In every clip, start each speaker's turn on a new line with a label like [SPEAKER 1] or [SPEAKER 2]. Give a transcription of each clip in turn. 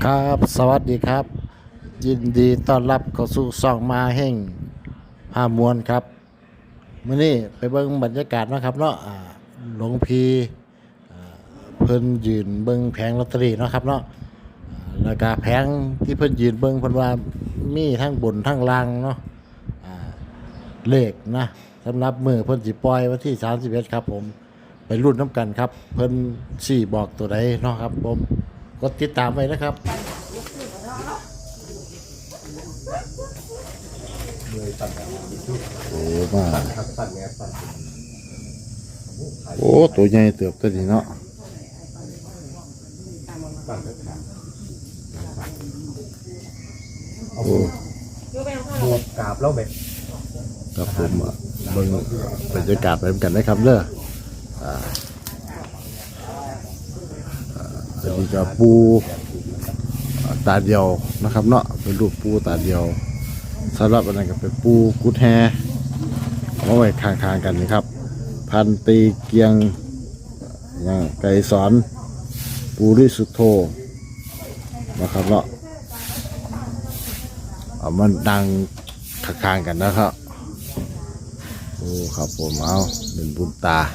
[SPEAKER 1] ครับสวัสดีครับ ยินดีต้อนรับเข้าสู่ช่องมาแห่งพามวลครับมื้อนี้ไปเบิ่งบรรยากาศนะครับเนาะหลวงพี่เพิ่นยืนเบิ่งแผงลอตเตอรี่เนาะครับเนาะแล้วก็แผงที่เพิ่นยืนเบิ่งเพิ่นว่ามีทั้งบนทั้งล่างเนาะเลขนะสำหรับมื้อเพิ่นสิปล่อยวันที่31ครับผมไปรุ่นน้ำกันครับเพิ่นสิบอกตัวใดเนาะครับผมกดติดตามไว้นะครับโอ้มาโอ้ตัวใหญ่เติบตัวนี้เนาะโอ้
[SPEAKER 2] บวกกราบแล้วแบบ
[SPEAKER 1] ครับผมเบิ่งบรรยากาศไปกันนะครับเด้ออันนี้ก็ปูตาเดียวนะครับเนาะเป็นรูปปูตาเดียวสำหรับอันนั้นก็เป็นปูกุดแฮเอาไว้ข้างๆกันนะครับพันตีเกียงไก่สอนปูริสุทโธนะครับเนาะเอามันดังข้างๆกันนะครับโอ้ครับผมเอาเป็นบุญตา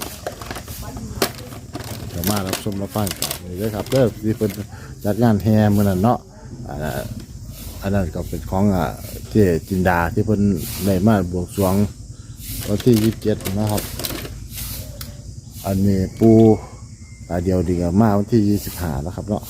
[SPEAKER 1] จะมารับชมรับฟังกันนี่เลยครับเด้อที่เป็นจัดงานแห่เมื่อนั้นเนาะอันนั้นก็เป็นของเจจินดาที่เพิ่นได้มาบวงสรวงวันที่27นะครับอันนี้ปูตาเดียวดีกับมาวันที่25นะครับเนาะ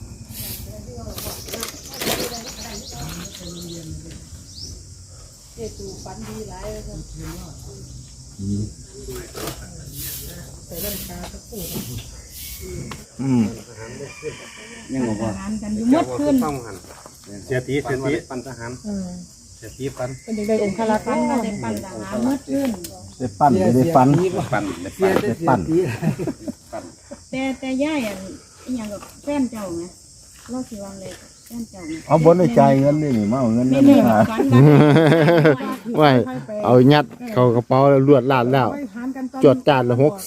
[SPEAKER 2] ยังบอกว่า
[SPEAKER 3] มดขึ้น
[SPEAKER 2] เสียตีปันทหารเสียตีปัน
[SPEAKER 3] เป็นเด็กๆองค์คาราคันก็ได้ปั่นทหารมดขึ้น
[SPEAKER 1] ได้ปั้นได้ฟัน
[SPEAKER 2] ได้ปั้น
[SPEAKER 3] แต่ย่ายอันอย่างกับแฟนเจ้าไงเราสิวางเลยแฟนเจ้า
[SPEAKER 1] เอาบนในใจเงินนี่มาเอาเงินนั่นมาไม่เอายัดเข้ากระเป๋าแล้วลวดลาดแล้วจดการละ64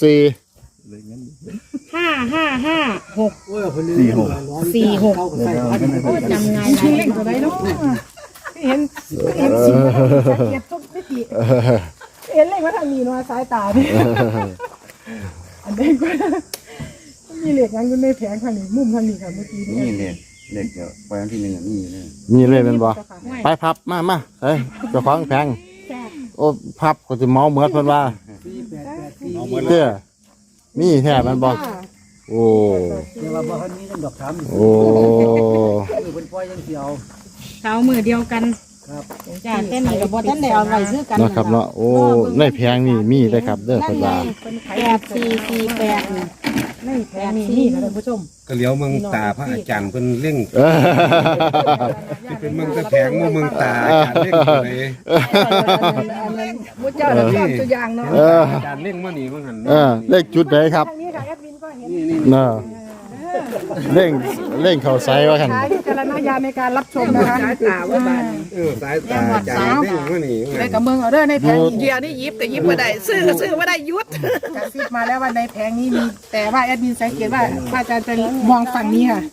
[SPEAKER 3] 5554646จำไงชื่อเล่นตัวใดเนาะเห็นสิเก็บทุกพิธีเห็นเลยว่าทางนี้เนาะสายตาดิอันนี้ก็มีเหล็กงั้นอยู่ในแผงข้างนี้มุมข้างนี้ค่ะเมื่อกี้
[SPEAKER 2] นี่เหล็กเดี๋ยวไปอันที่หนึ่งนี่เลย
[SPEAKER 1] มีเลยเป็นบ่ไปพับมาเฮ้ยเจ้าของแผงโอ้พับก็จะเมาเหมือนเพิ่นว่าเด้อนี่แท้มันบ่โอ้
[SPEAKER 2] เดี๋ยวว่าบ่ทันนี้กันดอกถาม
[SPEAKER 1] โอ้
[SPEAKER 2] เป็นปล่อยยังเดียว
[SPEAKER 3] เท้ามือเดียวกัน
[SPEAKER 2] ครับ
[SPEAKER 3] จ้าเต้นนี่กับบ่ทันได้เอาไว้ซื้อกัน
[SPEAKER 1] นะครับเนาะโอ้ในแผงนี่มีได้ครับเด้อเพิ่นว่า
[SPEAKER 3] 8448ในแผงนี่ค่ะท่านผู้ชม
[SPEAKER 2] ก็เลี้ยวเมืองตาพระอาจารย์เพิ่นเร่งที่เป็นเมืองตะแผงเมืองตาอาจารย์เร่งเลย
[SPEAKER 3] มุจเจ้าชอบตัวอย่างเนาะ
[SPEAKER 2] อาจารย์เร่งมานี่เพิ่นหั่น
[SPEAKER 1] เลขจุดไหนครับ
[SPEAKER 3] นี่ค่ะแอดมินก็เห็น
[SPEAKER 1] เนาะเร่งเข้าไซว่าคั่น
[SPEAKER 3] ใช้วิจารณญาณในการรับชมนะคะสายตาว่าบาด
[SPEAKER 2] สายตาอาจารย์เร่งมานี่
[SPEAKER 3] ในกับเมืองเอาเด้อในแผง
[SPEAKER 4] เดียวนี่ยิบแต่ยิบไม่ได้ซื้อก็ซื้อไม่ได้ยุด
[SPEAKER 3] กระซิบมาแล้วว่าในแผงนี้มีแต่ว่าแอดมินสังเกตว่าอาจารย์จะมองฝั่งนี้ค่ะ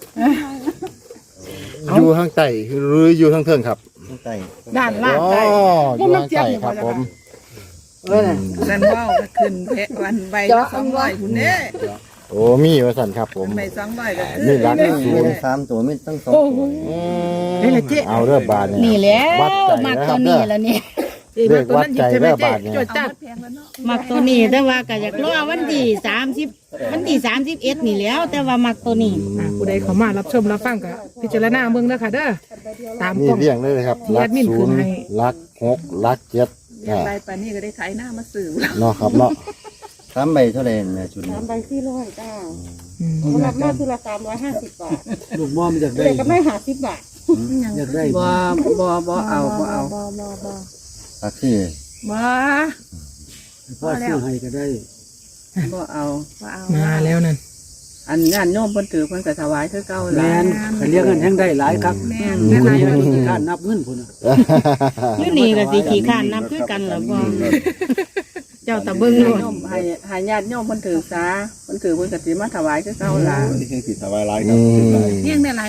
[SPEAKER 1] อยู่ข้างใต้หรืออยู่ข้างเทิงครับ
[SPEAKER 2] ข้างใต้
[SPEAKER 3] ด้านล่างใต้
[SPEAKER 1] อยู่ข้างใต้ครับผม
[SPEAKER 4] นั่นว่าวก็ขึ้นเพะวันใบ200คุณเนี่ย
[SPEAKER 1] โอ้มีว่าสั่นครับผม
[SPEAKER 4] ใบ200ก็
[SPEAKER 1] นี่รัก
[SPEAKER 2] 3ตัวไม่ต้อง2ตัว
[SPEAKER 1] เอาเรือบาท
[SPEAKER 3] นี่แหละมักตัวนี้แล้วนี่
[SPEAKER 1] เรียกวัดใจเรือบาทเนี่ย
[SPEAKER 3] มักตัวนี้แต่ว่าก็อยากรอวันที่30วันที่31นี่แล้วแต่ว่ามักตัวนี้ผู้ใดเข้ามารับชมรับฟังก็พิจารณาเบิ่งเด้อค่ะเด้อตาม
[SPEAKER 1] นี่เรียงเลยครับรัก0รัก6รัก7
[SPEAKER 4] ใบปานนี้ก็ได้ไถหน้ามาซื้อ
[SPEAKER 1] เนาะครับเนาะ
[SPEAKER 2] 3ใบเท่าไหร่แม่ชุด
[SPEAKER 3] 3ใบ400จ้ารับมาคือละ350 บาท
[SPEAKER 2] ลูกม่อมอยากได้
[SPEAKER 3] ก็ไม่50 บาท
[SPEAKER 2] อยากได้
[SPEAKER 4] บ่เอา
[SPEAKER 2] ตักที่
[SPEAKER 4] บ่
[SPEAKER 2] พ่อซื้อให้ก็ได้
[SPEAKER 4] บ่เอา
[SPEAKER 3] มาแล้วนั่น
[SPEAKER 4] อันงานโยมเพิ่นถือเพิ่นก็ถวายคือเก่าแล้
[SPEAKER 2] วก็เลี้ยงกันแฮงได้หลายครับ
[SPEAKER 4] แม่น
[SPEAKER 2] แม่นขี้ข้านนับเงินพุ่น
[SPEAKER 3] อยู่นี่ก็สิขี้ข้านนับคือกันล่ะบ่เจ้าตะเบิ่งโลด
[SPEAKER 4] ให้ญาติโยมเพิ่นถือซาเพิ่นถือเพิ่นก็สิมาถวายคือเก่าล่ะ
[SPEAKER 2] ที่สิถวายหลายครับ
[SPEAKER 4] เลี้ยงได้หลาย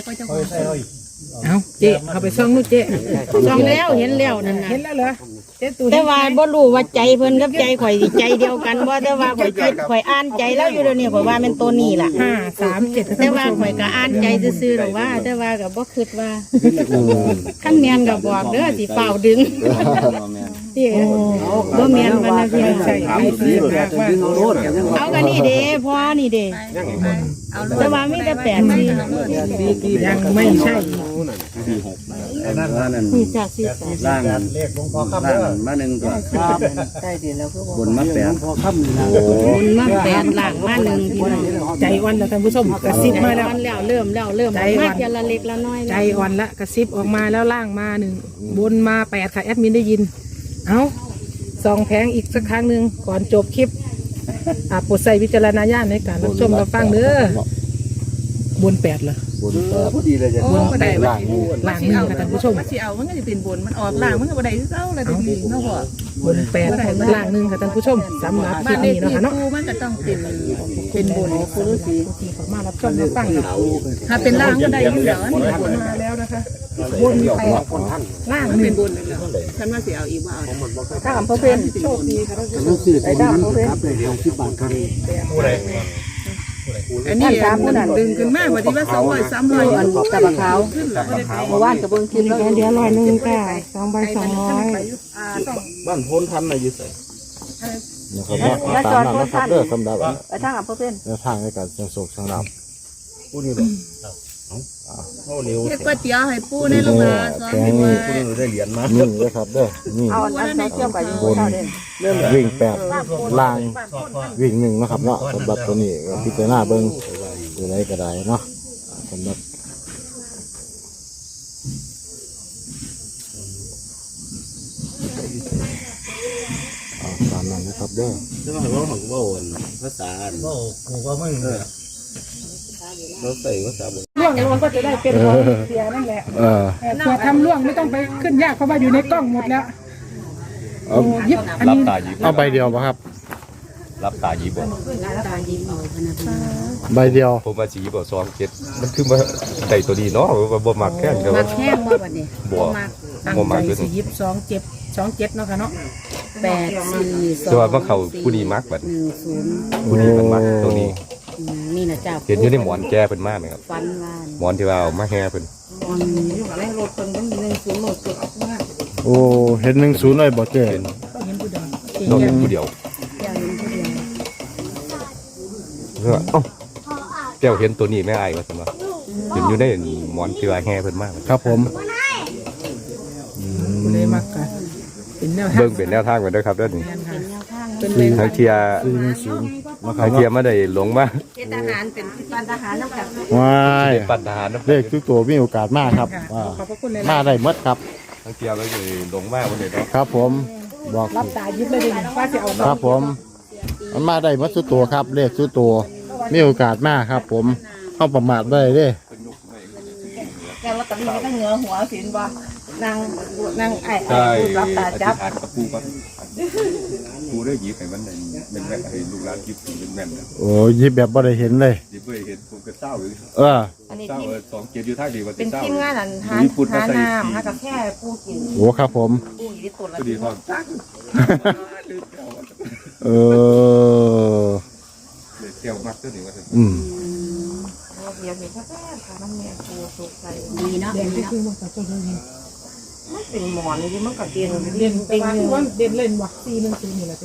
[SPEAKER 4] ก็เจ้าของ
[SPEAKER 3] เอาเจ๊เอาไปซ่องนู่นเจ๊
[SPEAKER 5] จองแล้วเห็นแล้วนั่นน่ะ
[SPEAKER 3] เห็นแล้วเหรอเจ๊ตู่
[SPEAKER 5] แต่ว่าบ่รู้ว่าใจเพิ่นกับใจข่อยสิใจเดียวกันบ่แต่ว่าข่อยคิดข่อยอ่านใจแล้วอยู่เดี๋ยวนี้ข่อยว่าเป็นตัวนี้ล่ะ
[SPEAKER 3] 537
[SPEAKER 5] แต่ว่าข่อยก็อ่านใจซื่อๆหรอกว่า แต่ว่าก็บ่คิดว่าคันแม่นก็บอกเด้อสิเฝ้าดึงพี่บ่แม่นว่านะพี่
[SPEAKER 3] ใช่ไอ้ที่แบบว่า
[SPEAKER 5] เอากันนี่เด้พ่อนี่เด้
[SPEAKER 4] เอา
[SPEAKER 5] แต่ว่ามีแต่8ซี่
[SPEAKER 3] ยังไม่ใช่
[SPEAKER 6] นั่นนั่น
[SPEAKER 5] มีจากซี่
[SPEAKER 6] ล่างล่างมาหนึ่งตัวบนมาแปด
[SPEAKER 5] บุญมา8ล่างมา1พี่น้อง
[SPEAKER 3] ใจอ่อนแล้วท่านผู้ชมกระซิบมาแล้ว
[SPEAKER 5] แล้วเริ่มมาทีละเล็กละน้อย
[SPEAKER 3] ใจอ่อนละกระซิบออกมาแล้วล่างมา1บนมา8ค่ะแอดมินได้ยินเอาส่องแผงอีกสักครั้งหนึ่งก่อนจบคลิปโปรดใส่วิจารณญาณในการรับชมรับฟังเด้อบน8เหรอบ
[SPEAKER 6] นพอดีเลยจ้ะ
[SPEAKER 4] โอ้บ่ได้ว่าสิ
[SPEAKER 3] ล่าง1ค่ะท่านผู้ชม
[SPEAKER 4] ว่าสิเอามันก็สิเป็นบนมันออกล่างมันก็บ่ได้คือเก่าแล้วแต่ดีเนาะพ่อบ
[SPEAKER 3] น8ล่าง1ค่ะท่านผู้ชมสำหรับค
[SPEAKER 4] บ้า
[SPEAKER 3] ลิ
[SPEAKER 4] น
[SPEAKER 3] ป
[SPEAKER 4] เลข
[SPEAKER 3] นี้เนาะ
[SPEAKER 4] ที่
[SPEAKER 3] ค่ะเนาะ
[SPEAKER 4] ปูมันก็ต้องเป็นบน
[SPEAKER 3] ที่เขามารับชมรับฟังค่ะ
[SPEAKER 4] ถ้าเป็นล่างก็ได้อยู่แล้วนี่บน
[SPEAKER 3] มาแล้วนะคะบน8ล่าง
[SPEAKER 4] มันเป็น
[SPEAKER 3] 1
[SPEAKER 4] บนเลยแล้วฉันว่าสิเอาอีกว่าเอา
[SPEAKER 3] ถ้าอำเภอเป็นโชคดีค่ะท่านผู้ชม
[SPEAKER 6] ต้องซื้อตัวนี้ครับเลยของที่บ้านกัน
[SPEAKER 4] อันนี้ดึงขึ้นมาว่าที่ว่า200 300อัน
[SPEAKER 7] ตะบะขาว
[SPEAKER 4] ขึ้นแล้วก็ได้ไป
[SPEAKER 7] เมื่อวานกับเบิ้งคลิปแล้ว
[SPEAKER 5] เดี๋ยว100ค่ะ2ใบ200
[SPEAKER 6] บ้านพ้นทันอะไรอยู่ใส่
[SPEAKER 1] นะครับตามนั้นนะครับเด้อสำหรับ
[SPEAKER 7] ไปทางอำเภอเป็น
[SPEAKER 1] แนวทางในการเสี่ยงโชคเสี่ยงลาภ
[SPEAKER 6] พูดนี่หรอเท่านิ้ว
[SPEAKER 4] เฮ็ดก๋วยเตี๋ยวให้ปูในโรงงานสอน
[SPEAKER 1] แข็
[SPEAKER 4] ให้
[SPEAKER 1] ง
[SPEAKER 4] ว่า
[SPEAKER 1] นี่
[SPEAKER 6] พูดนี่ได้เหรียญมา
[SPEAKER 1] นี่เลยครับเด้อนี่
[SPEAKER 7] เอาอันนั้นเกี่ยวกับอยู่เท่าเด่น
[SPEAKER 1] วิ่ง8ล่างวิ่ง1นะครับเนาะสำหรับตัวนี้ก็พิจารณาเบิ่งอยู่ไหนก็ได้เนาะสำหรับตามนั้นนะครับเด้อ
[SPEAKER 6] ใช่ไหมว่าของว่าวันภาษาว่าไม่เราใส่ภาษาบน
[SPEAKER 3] ล่วงลงก็จะได้เป็นของเสียนั่นแหละ
[SPEAKER 1] เออ
[SPEAKER 3] เผื่อทำล่วงไม่ต้องไปขึ้นยากเพราะว่าอยู่ในกล้องหมดแล้ว
[SPEAKER 1] เอา
[SPEAKER 3] ยิบอัน
[SPEAKER 8] รับ
[SPEAKER 3] นี้
[SPEAKER 8] ตาหยิบ
[SPEAKER 1] เอาใบเดียวป่ะครับ
[SPEAKER 8] รับตาหยิบบ่
[SPEAKER 1] ใบเดียว
[SPEAKER 8] ผมว่าสิหยิบบ่2 7มันคือมาได้ตัวนี้เนาะว่าบ่มักแค่นก็
[SPEAKER 5] มา
[SPEAKER 8] ว่า
[SPEAKER 5] แข้งบ่บัดนี้
[SPEAKER 8] บ่
[SPEAKER 3] ตั้ง
[SPEAKER 8] บ่มัก
[SPEAKER 3] ใจ
[SPEAKER 8] คือ
[SPEAKER 3] สิยิบ27เนาะค่ะเนาะ
[SPEAKER 8] แต่ว่ามาเข้าผู้นี้มักบัด
[SPEAKER 5] 10
[SPEAKER 8] ผู้นี้มันมักตัวนี้
[SPEAKER 5] นี่นะเจ้า
[SPEAKER 8] เห็นอยู่ในหมอนแก้เพิ่นมากนะครับ
[SPEAKER 5] ฟันว่าน
[SPEAKER 8] หมอนที่ว่าเอามาแห่เพิ่น
[SPEAKER 5] รถเพิ่นต้อง10รถเกิดมาก
[SPEAKER 1] โอ้เห็น10เลยบ่เจ๊
[SPEAKER 8] เป็น
[SPEAKER 3] ก็เห็นผู้เดียว
[SPEAKER 8] ต้องเห็นผู้เดียว
[SPEAKER 5] อย่าเห็นผู้เดียว
[SPEAKER 8] เออเอ้าแก้วเห็นตัวนี้แม่อ้ายว่าซั่นว่าเห็นอยู่ในหมอนที่ว่าแห่เพิ่นมาก
[SPEAKER 1] ครับผม
[SPEAKER 3] ผู้ใดมักกันเป็นแนวทาง
[SPEAKER 8] เบิ่งเป็นแนวทางไว้เด้อครับเด้อนี่
[SPEAKER 5] เป็นแนวทาง
[SPEAKER 3] เป็นเลย
[SPEAKER 8] ทางเทีย
[SPEAKER 1] 410นะครั
[SPEAKER 8] ทา
[SPEAKER 1] บ
[SPEAKER 8] งเทียมาได้หลงมา
[SPEAKER 5] เฮ็ดอาหารเป็นบ้านทหารนำกัน
[SPEAKER 1] ว้าย
[SPEAKER 8] ปัดทหารเนาะ
[SPEAKER 1] เลขทุกตัวมีโอกาสมากครับ
[SPEAKER 3] ค่ะ
[SPEAKER 1] ว่า
[SPEAKER 3] ขอบพระคุณเลย
[SPEAKER 1] มาได้หมดครับ
[SPEAKER 8] ทางเทียแล้วก็หลงมาบ่ได้เนาะ
[SPEAKER 1] ครับผมบอก
[SPEAKER 3] รับตายิบเลยดิว่าจะเอา
[SPEAKER 1] ครับผมมันมาได้หมดทุกตัวครับ เลขทุกตัวมีโอกาสมากครับ ผมเข้าประมาทได้เด้
[SPEAKER 7] แกลอตเตอรี่ก็เหงือหัวสินบ่นางไอ้
[SPEAKER 8] ใช่
[SPEAKER 7] รับตาจับ
[SPEAKER 8] อธิษฐานกับปู่ก่อนปู่ได้หยิบให้มันเป็นแม่นให้ลูกหลานหยิบเป็นแม่นนะ
[SPEAKER 1] โอ้ยิบแบบบ่ได้เห็นเลย
[SPEAKER 8] หยิบไปเห็นผมก็เศร้าอยู่
[SPEAKER 1] เออ
[SPEAKER 7] อันนี้
[SPEAKER 8] เศร้า
[SPEAKER 7] ที่
[SPEAKER 8] 2 7อยู่ทางดีว่า
[SPEAKER 7] เป็น
[SPEAKER 8] เศร้า
[SPEAKER 7] ทีมงานอันหาน้ำหากาแฟปูกิน
[SPEAKER 1] โอ้ครับผม
[SPEAKER 7] ปูอยู่ที่ตัวละ
[SPEAKER 8] ก็ดีห้องตั้ง
[SPEAKER 1] เออ
[SPEAKER 8] เลยแก้วมักตัวนี้ว่าซั่น
[SPEAKER 1] อืม
[SPEAKER 7] เดียวเห็นแค่ค่ะน้ำเมียปูสุกใส่
[SPEAKER 5] ดีเนาะ
[SPEAKER 3] เด่นที่คือมันก็จะเด่น
[SPEAKER 7] มันเป็นหมอนนี่มันก็เด่น
[SPEAKER 3] เด่นแต่ว่าที่ว่าเด่นเล่นบ่410นี่แหละสิ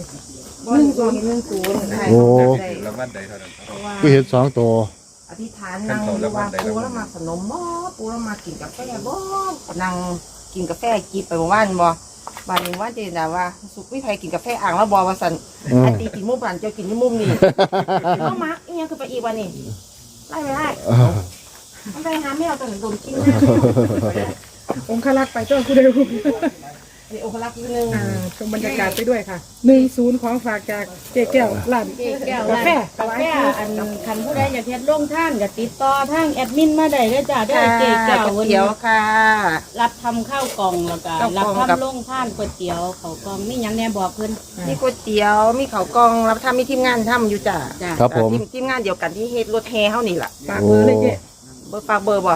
[SPEAKER 7] 1
[SPEAKER 1] โอ้
[SPEAKER 8] รางวัลใดเท่านั้นครับ
[SPEAKER 1] ก็เห็น2ตัว
[SPEAKER 7] อธิษฐานนั่งอยู่ว่าปูแล้วมาขนมบ่ปูแล้วมากินกาแฟบ่นั่งกินกาแฟกินไปเมื่อวานบ่บานนี้ว่าเจนดาว่าสุกวิไทยกินกาแฟอ่างแล้วบ่ว่าซั่น
[SPEAKER 1] อืม
[SPEAKER 7] ไอ้ตีกินมุมบ้านเจ้ากินที่มุมนี่เอามาอีหยังคือไปอีกวันนี้ไล่ไม่ได้มันไปหาแมวตอนโดนกิน
[SPEAKER 3] องคลักษ์ไปต้นกูเดียว
[SPEAKER 7] ไอ้โอคลักษ์นิดนึง
[SPEAKER 3] ชมบรรยากาศไปด้วยค่ะ10ของฝากจากเจ๊แก้วร้าน
[SPEAKER 5] แก้ว
[SPEAKER 3] กาแฟ
[SPEAKER 5] กาแฟอันคันผู้ใดอยากเฮ็ดลงท่านก็ติดต่อทางแอดมินมาได้เด้อจ้าเด้อเจ๊แก้ว
[SPEAKER 7] เขียวค่ะ
[SPEAKER 5] รับทำข้าวกล่องแล้วก็
[SPEAKER 7] ข้าวกล่
[SPEAKER 5] รับ
[SPEAKER 7] องกับ
[SPEAKER 5] ทำลงท่านก๋วยเตี๋ยวเขาวกล่องมีหยังแน่บอกเพิ่น
[SPEAKER 7] มีก๋วยเตี๋ยวมีข้าวกล่องรับทำมีทีมงานทำอยู่จ้ะ
[SPEAKER 5] จ้า
[SPEAKER 1] ครับผม
[SPEAKER 7] ทีมงานเดียวกันที่เฮ็ดรถแฮเฮานี่ล่ะ
[SPEAKER 3] ฝากเบอร์เลยเจ๊
[SPEAKER 7] เบอร์ฝากเบอร์บ่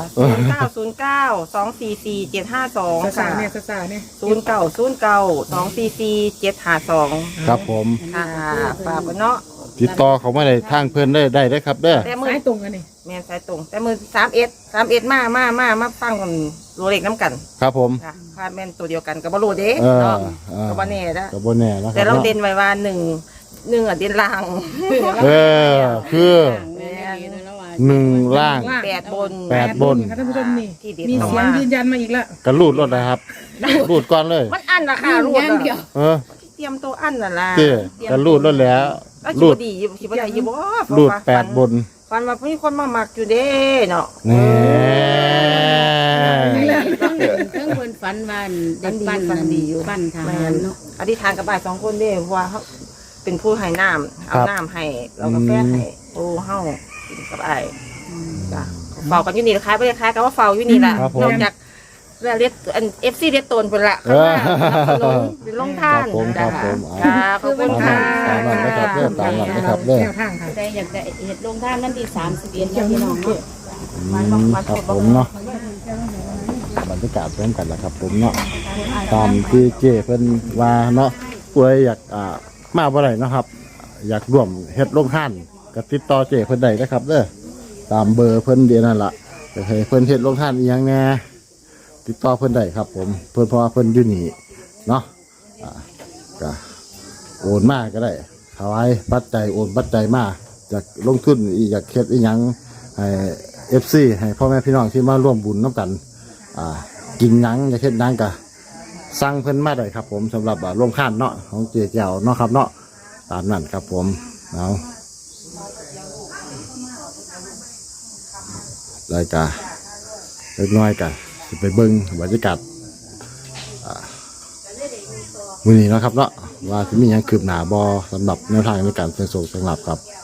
[SPEAKER 7] 0909244752
[SPEAKER 3] สา
[SPEAKER 7] ค่ะ
[SPEAKER 3] เนี่ยสาเนี่ย
[SPEAKER 7] 0909244752
[SPEAKER 1] ครับผม
[SPEAKER 7] ค่ะฝากไว้เนาะ
[SPEAKER 1] ติดต่อเขามาได้ทางเพื่อนได้เด้อครับเด้อ
[SPEAKER 7] แต่มือ
[SPEAKER 3] สายตรงกันนี่
[SPEAKER 7] แม่นสายตรง แต่มือ31มาฟังกันรู้เลขน้ำกัน
[SPEAKER 1] ครับผม
[SPEAKER 7] ค่ะพาแม่นตัวเดียวกันก็บ่รู้เด้
[SPEAKER 1] เออ
[SPEAKER 7] เนาะ
[SPEAKER 1] เออ
[SPEAKER 7] ก็บ่แน่นะ
[SPEAKER 1] ก็บ่แน่นะค
[SPEAKER 7] แต่
[SPEAKER 1] รับ
[SPEAKER 7] เรา
[SPEAKER 1] เนาะ
[SPEAKER 7] เด่นไว้ว่าหนึ่งอ่ะเด่นล่าง
[SPEAKER 1] เออคือ
[SPEAKER 5] แม่นดีแล้วว่า
[SPEAKER 1] 1ล่าง
[SPEAKER 7] 8 บน
[SPEAKER 1] 8 บน
[SPEAKER 3] ค่ะท่านผู้ชมนี่
[SPEAKER 7] ที่เด็ด
[SPEAKER 3] มี
[SPEAKER 7] ออก
[SPEAKER 3] เสียง
[SPEAKER 7] มา
[SPEAKER 3] ยืนยันมาอีกแล้ว
[SPEAKER 1] กระรูดรถนะครับ รูดก่อนเลย
[SPEAKER 7] มันอันราคารูด
[SPEAKER 5] อย่างเดียว
[SPEAKER 1] เออ
[SPEAKER 7] เตรียมตัวอันน่ะล่ะ
[SPEAKER 1] เจ้กระรูดรถแล้ว
[SPEAKER 7] แล้ว
[SPEAKER 1] รู
[SPEAKER 7] รู
[SPEAKER 1] ด
[SPEAKER 7] ดดีสิบ่ได้อยู่บ่
[SPEAKER 1] รูด8 บน
[SPEAKER 7] ฟันว่ามีคนมามักอยู่เด้เนาะ
[SPEAKER 1] นี่
[SPEAKER 5] เพิ่งเพิ่นฝันว่าได้ปั้นปั้นทหารเนาะ
[SPEAKER 7] อธิษฐานกับบ่าย2คนเด้เพราะว่าเขาเป็นผู้ให้น้ำเอาน้ำให้เรากาแฟให้โอ้เฮากินกับอ้ายจ้ะเฝ้ากันอยู่นี่คล้ายบ่ได้คล้ายกันว่าเฝ้าอยู่นี่ล่ะนอกจากเรียกอัน FC เรียกตนเพิ่นละข้างหน้าสนับสนุนหรือลงท่าน
[SPEAKER 1] ครับผม
[SPEAKER 7] จ้ะขอบคุณค่ะ
[SPEAKER 1] ตามนั้นนะครับเด้อตามนั้นนะครับเด้อ
[SPEAKER 3] แนวทางค่ะ
[SPEAKER 5] ได้อยากได้เฮ็ดลงท่านนั่นที่31นะพี่น้องเนาะ
[SPEAKER 1] ครับผมเนาะบรรยากาศเพิ่มกันแล้วครับผมเนาะตามที่เจเพิ่นว่าเนาะป่วยอยากมาบ่ได้เนาะครับ อยากร่วมเฮ็ดโรงทานก็ติดต่อเจเพิ่นได้นะครับเด้อตามเบอร์เพิ่นเดียวนั่นล่ะก็ให้เพิ่นเฮ็ดโรงทานอีหยังแหน่ติดต่อเพิ่นได้ครับผมเพิ่นเพราะว่าเพิ่นอยู่นี่เนาะก็โอนมาก็ได้ถวายปัจจัยโอนปัจจัยมาอยากลงทุนอยากเฮ็ดอีหยังให้ FC ให้พ่อแม่พี่น้องที่มาร่วมบุญน้ำกันกินหยังอยากเฮ็ดหยังก็สั่งเพิ่นมาได้ครับผมสำหรับโรงทานเนาะของเจ๊เจ้าเนาะครับเนาะตามนั้นครับผมเอารายการเล็กน้อยกันสิไปเบิ่งบรรยากาศมื้อนี้เนาะครับเนาะว่าสิมีหยังคืบหน้าบ่สำหรับแนวทางในการเสี่ยงโชคสำหรับครับ